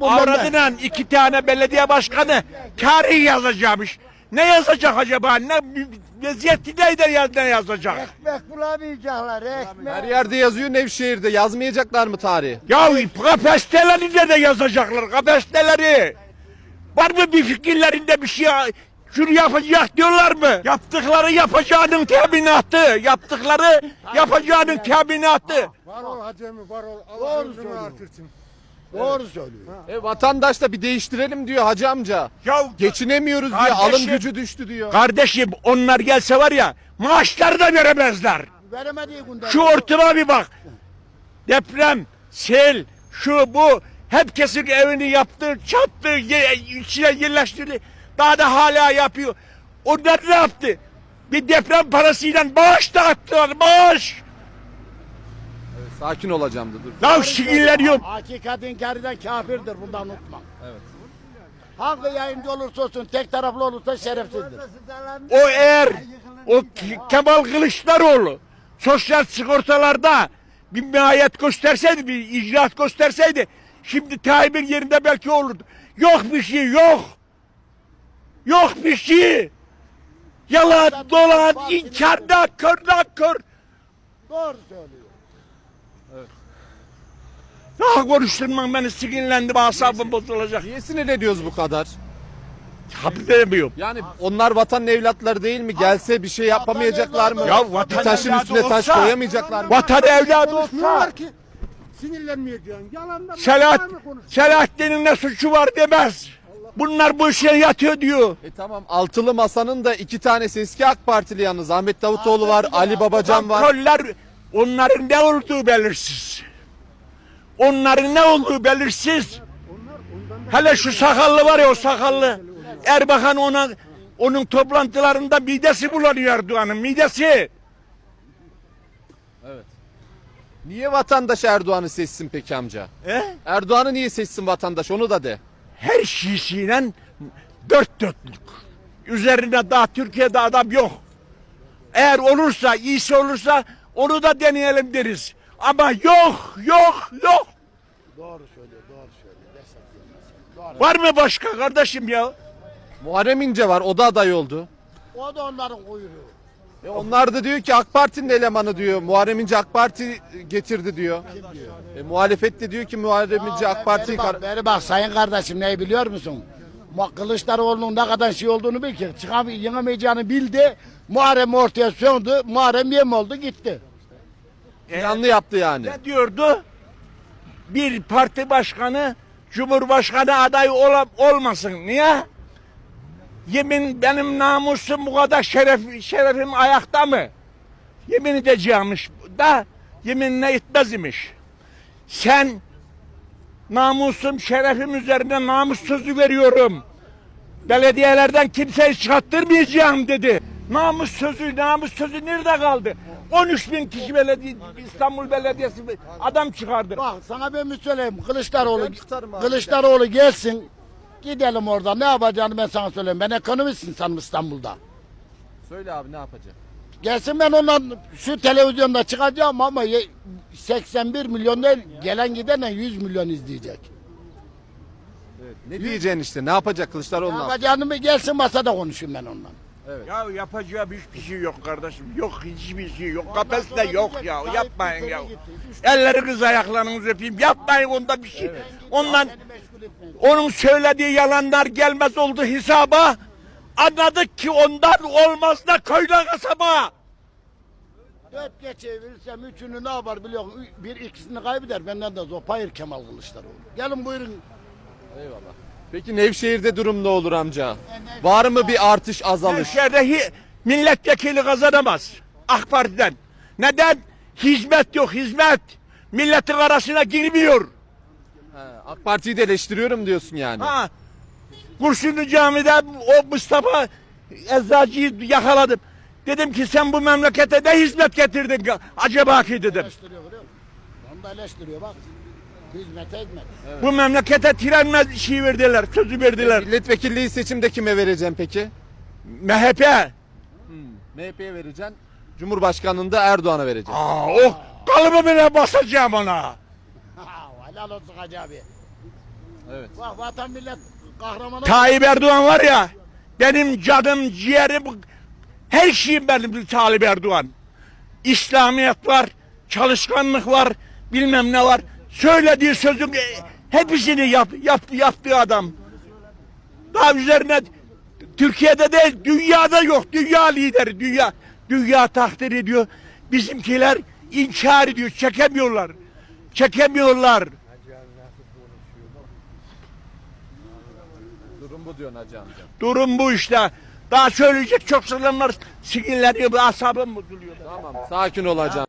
avradıyla 2 tane belediye başkanı tarih yazacakmış. Ne yazacak acaba? Ne vaziyeti ne yazacak? Ekmek bulamayacaklar, ekmek. Her yerde yazıyor, Nevşehir'de yazmayacaklar mı tarihi? Ya kapasiteleri de yazacaklar, kapasiteleri. Var mı bir fikirlerinde bir şey? Şunu yapacak diyorlar mı? Yaptıkları yapacağının teminatı. Yaptıkları yapacağının teminatı. Var ol Hacemi, var ol. Doğru Allah ömrünü söylüyor. artırsın. Doğru söylüyor. Vatandaş da bir değiştirelim diyor hacı amca. Ya Geçinemiyoruz diyor, Kardeşim- alım gücü düştü diyor. kardeşim onlar gelse var ya maaşları da veremezler. Veremediği günde. Şu ortama bir bak. Deprem, sel, şu bu. Herkesin evini yaptı, çattı, içine yerleştirdi. Daha da hala yapıyor. Onlar ne yaptı? Bir deprem parasıyla bağış dağıttılar, bağış. Sakin olacağım da dur. Ya sinirleniyorum. Hakikat inkar kafirdir, bundan unutma. Evet. Hangi yayıncı olursa olsun, tek taraflı olursa şerefsizdir. O eğer o Kemal Kılıçdaroğlu sosyal sigortalarda bir mahiyet gösterseydi, bir icraat gösterseydi şimdi Tayyip'in yerinde belki olurdu. Yok bir şey, yok. Yok bir şey. Yalan, dolan, inkar, nakkör. Doğru söylüyor. Daha konuşturmam beni, sinirlendim, asabım bozulacak. Niye sinirleniyoruz bu kadar? Haberdemiyorum. Yani onlar vatanın evlatları değil mi? Gelse bir şey yapamayacaklar mı? Ya vatan Bir taşın evladı üstüne taş olsa- koyamayacaklar mı? Vatan evladı olsa Konuşmuyorlar ki. Sinirlenmeyeceksin. Yalandan Selahattin'in ne suçu var demez. Bunlar bu işe yatıyor diyor. Tamam, altılı masanın da 2 tanesi eski AK Partili yalnız. Ahmet Davutoğlu var, Ali Babacan var. Kontroller, onların ne olduğu belirsiz. Onların ne olduğu belirsiz. Hele şu sakallı var ya, o sakallı. Erbakan onun toplantılarında midesi bulanıyor Erdoğan'ın, midesi. Niye vatandaş Erdoğan'ı seçsin peki amca? Erdoğan'ı niye seçsin vatandaş, onu da de. Her şeysiyle dört dörtlük. Üzerine daha Türkiye'de adam yok. Eğer olursa, iyisi olursa onu da deneyelim deriz. Ama yok. Doğru söylüyor, doğru söylüyor. Var mı başka kardeşim ya? Muharrem İnce var, o da aday oldu. O da onların kuyruğu. Onlar da diyor ki AK Parti'nin elemanı diyor. Muharrem İnce AK Parti getirdi diyor. Muhalefet de diyor ki Muharrem İnce AK Parti'yi... Beri bak sayın kardeşim, neyi biliyor musun? Kılıçdaroğlu'nun ne kadar şey olduğunu bil ki. Yenemeyeceğini bildi. Muharrem ortaya söndü. Muharrem yem oldu, gitti. Yanlı yaptı yani. Ne diyordu? Bir parti başkanı Cumhurbaşkanı adayı olmasın. Niye? Yemin, benim namusum bu kadar, şerefim ayakta mı? Yemin edeceğimmiş da yeminle etmez imiş. Sen namusum, şerefim üzerine namus sözü veriyorum. Belediyelerden kimseyi çıkarttırmayacağım dedi. Namus sözü nerede kaldı? 13 bin kişi İstanbul Belediyesi adam çıkardı. Bak sana ben bir söyleyeyim. Kılıçdaroğlu abi. gelsin. Gidelim orada. Ne yapacağını ben sana söyleyeyim. Ben ekonomist insanım İstanbul'da. Söyle abi, ne yapacak? Gelsin, ben ondan şu televizyonda çıkacağım ama 81 milyon değil, gelen gidenle 100 milyon izleyecek. Ne diyeceksin işte, ne yapacak Kılıçdaroğlu? Ne yapacağını mı gelsin, masada konuşayım ben ondan. Ya yapacağı hiçbir şey yok kardeşim. Yok, hiçbir şey yok. Kapasite yok ya. Yapmayın ya. Elleriniz ayaklarınızı öpeyim. Yapmayın onda bir şey. Ondan onun söylediği yalanlar gelmez oldu hesaba. Anladık ki ondan olmaz da köyde kasaba. 4 geçebilirsem üçünü ne yapar biliyor musun? Bir ikisini kaybeder, benden de zopayır Kemal Kılıçdaroğlu. Gelin buyurun. Eyvallah. Peki Nevşehir'de durum ne olur amca? Var mı bir artış, azalış? Nevşehir'de milletvekili kazanamaz AK Parti'den. Neden? Hizmet yok, hizmet. Milletin arasına girmiyor. AK Parti'yi de eleştiriyorum diyorsun yani. Ha. Kurşunlu Cami'de o Mustafa Eczacı'yı yakaladım. Dedim ki sen bu memlekete ne hizmet getirdin acaba ki dedim. Eleştiriyor biliyor musun? Onu da eleştiriyor bak. Hizmete hizmet. Bu memlekete tren şey verdiler, sözü verdiler. Milletvekilliği seçimde kime vereceğim peki? MHP. MHP'ye vereceksin. Cumhurbaşkanlığında Erdoğan'a vereceksin. O kalıbı bile basacağım ona. Helal olsun Hacı abi. Evet. Bak vatan millet kahramanı. Tayyip Erdoğan var ya, benim canım, ciğerim, her şeyim benim Tayyip Erdoğan. İslamiyet var, çalışkanlık var, bilmem ne var. Söylediği sözün hepsini yaptığı adam. Daha üzerine Türkiye'de değil, dünyada yok. Dünya lideri, dünya takdir ediyor. Bizimkiler inkar ediyor, çekemiyorlar. Çekemiyorlar. Durum bu diyorsun hacı amca. Durum bu işte. Daha söyleyecek çok söylemler, sinirleniyor, asabım bozuluyor. Tamam, sakin ol hacı amca.